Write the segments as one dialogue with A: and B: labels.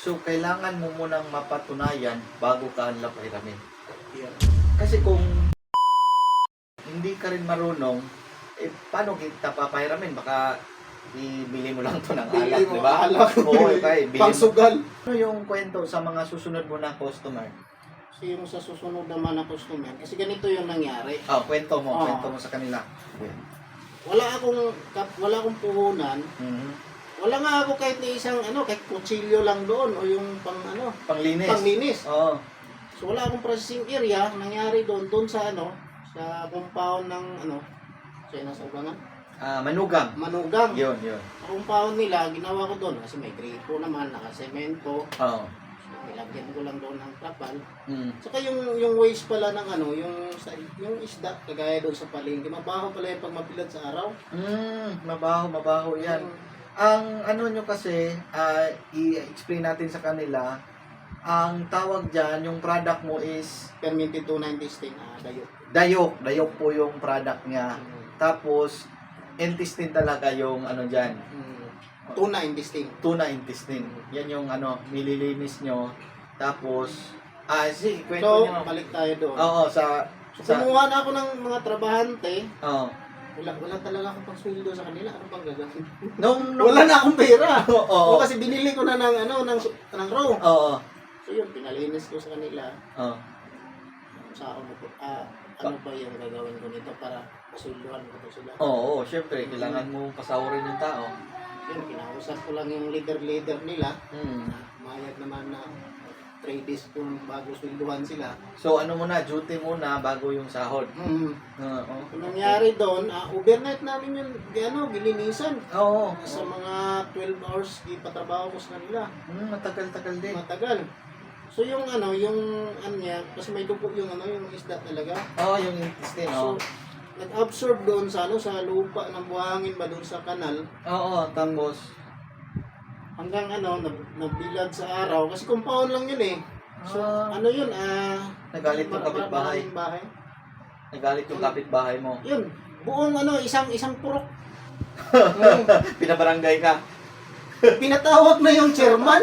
A: So, kailangan mo munang mapatunayan bago ka unlock hiramin.
B: Yeah.
A: Kasi kung hindi ka rin marunong, paano kita papahiramin? Baka ibili mo lang to ng alak,
B: Bili mo
A: di ba?
B: alak.
A: Oo, okay. Bili mo.
B: Pangsugal.
A: Ano yung kwento sa mga susunod mo na customer?
B: Kasi yung sa susunod naman na customer, kasi ganito yung nangyari.
A: Oh, kwento mo sa kanila.
B: Wala akong puhunan.
A: Mhm.
B: Wala nga ako kahit na isang kahit kutsilyo lang doon o yung
A: Panglinis.
B: panglinis.
A: Oo.
B: So wala akong processing area nangyari doon sa sa compound ng sa inasabangan.
A: Manugang.
B: Manugang.
A: Yun.
B: Sa compound nila, ginawa ko doon kasi may gripo naman, nakasemento.
A: Oo.
B: So, nilagyan ko lang doon ng trapal. Saka yung waste pala ng yung isda, kagaya doon sa palengke, mabaho pala yung pag mabilad sa araw.
A: Mabaho yan. Ang ano nyo kasi, i-explain natin sa kanila, ang tawag dyan, yung product mo is
B: Fermented tuna intestine, dayo.
A: dayok po yung product niya. Tapos, intestine talaga yung ano dyan,
B: Tuna intestine.
A: tuna intestine. Yan yung nililinis nyo. Tapos, sige, kwento
B: So,
A: nyo.
B: balik tayo doon.
A: Oo,
B: So, kumuha na ako ng mga trabahante.
A: Oo.
B: Wala talaga akong pang-sweldo sa kanila. Ano pang gagawin?
A: Nung,
B: Wala na akong pera.
A: Oo.
B: O kasi binili ko na ng raw.
A: Oo.
B: So yun, pinalinis ko sa kanila.
A: Oo.
B: Sa ano ba yung gagawin ko nito para masulduhan ko to sila.
A: Oo, syempre, kailangan mo pasawarin yung tao.
B: Yun, kinausap ko lang yung leader nila. Mayag naman na 3 days kung bago swelduhan sila.
A: So, ano muna, duty muna bago yung sahod. Oo.
B: Ang nangyari doon, overnight namin yung gilinisan.
A: Oo.
B: Sa mga 12 hours, ipatrabaho ko sa kanila.
A: Matagal-tagal din.
B: Matagal. So yung niya, kasi may dugo yung yung isda talaga.
A: Oo, yung intestine,
B: So,
A: oo.
B: nag-absorb doon sa sa lupa ng buhangin ba doon sa kanal.
A: Oo, tapos,
B: Hanggang nabilad sa araw. Kasi compound lang yun eh. So, yun,
A: nagalit yung kapitbahay.
B: maraming bahay.
A: Nagalit yung kapitbahay mo.
B: Yun, buong isang purok.
A: Pinabarangay ka.
B: Pinatawag na yung chairman.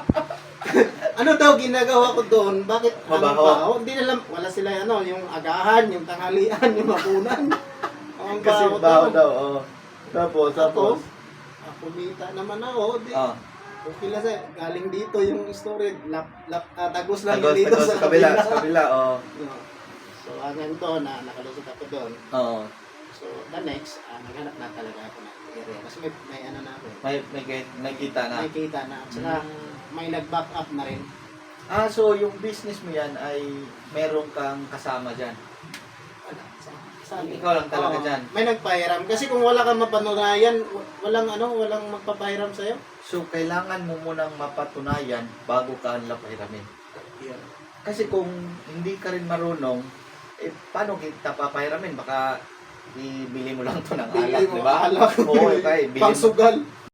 B: Ano daw ginagawa ko doon? Bakit ang
A: Mabaho?
B: baho? Hindi nila, wala sila yung agahan, yung tanghalian, yung hapunan. Ang
A: Kasi
B: baho
A: baho
B: daw.
A: daw, oo. Tapos.
B: Kumita naman ako.
A: Oo.
B: Okay lang sa'yo. Galing dito yung story. Tagos lang yun
A: Tagos
B: dito
A: sa kabila, oo.
B: So, hanggang doon, nakalusot ako doon.
A: Oo.
B: So, the next, naghanap na talaga ako ng area. Kasi may na ako.
A: May kita na.
B: May kita na. At saka, may nag-back up na rin.
A: So yung business mo yan ay meron kang kasama dyan. Ikaw lang talaga dyan.
B: May nagpahiram. Kasi kung wala kang mapatunayan, walang magpapahiram sa'yo.
A: So kailangan mo munang mapatunayan bago ka unlock hiramin.
B: Yeah.
A: Kasi kung hindi ka rin marunong, paano kita papahiramin? Baka ibili mo lang to ng alak,
B: Bili mo
A: di ba?
B: alak.
A: Oo, okay. Bili mo.
B: Pangsugal.